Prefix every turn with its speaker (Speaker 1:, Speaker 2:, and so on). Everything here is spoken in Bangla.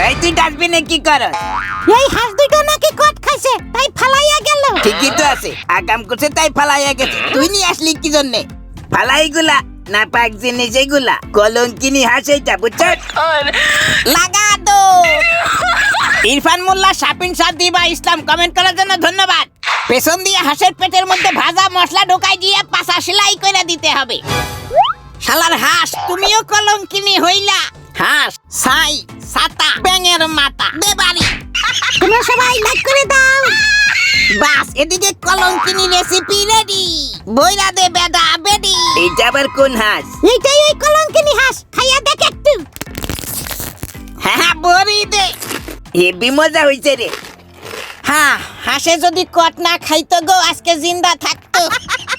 Speaker 1: এই তুই ডাস্টবিনে কি করস?
Speaker 2: এই হাঁস দুটো নাকি কট খাইছে তাই ফালাইয়া গেল।
Speaker 1: ঠিকই তো আছে, আকাম করছে তাই ফালাইয়া গেছে। তুই নিয়ে আসলি কি জন্যে? ফালাইগুলা না পাক জিনিস এগুলা কলঙ্কিনী হাঁস এইটা বুঝছস? লাগা দো। ইরফান মোল্লা, শাপিন সাদিবা ইসলাম কমেন্ট করার জন্য ধন্যবাদ। পেছন দিয়ে হাঁসের পেটের মধ্যে ভাজা মশলা ঢোকাই দিয়ে পাছা সেলাই করে দিতে হবে। শালার হাঁস, তুমিও কলঙ্কিনী হইলা। হাঁস ছাই ছাতা ব্যাঙের মাথা দে বাড়ি।
Speaker 2: তোমরা সবাই লাইক করে দাও।
Speaker 1: বাস, এদিকে কলঙ্কিনী রেসিপি রেডি। বইরা দে বেদা বেডি। এইটা আবার কোন হাঁস?
Speaker 2: এইটাই ওই কলঙ্কিনী হাঁস, খাইয়া দেখ একটু।
Speaker 1: হ্যাঁ বড়ি দে। হেবি মজা হইছে রে। হ্যাঁ, হাঁসে যদি কট না খাইতো গো আজকে জিন্দা থাকতো।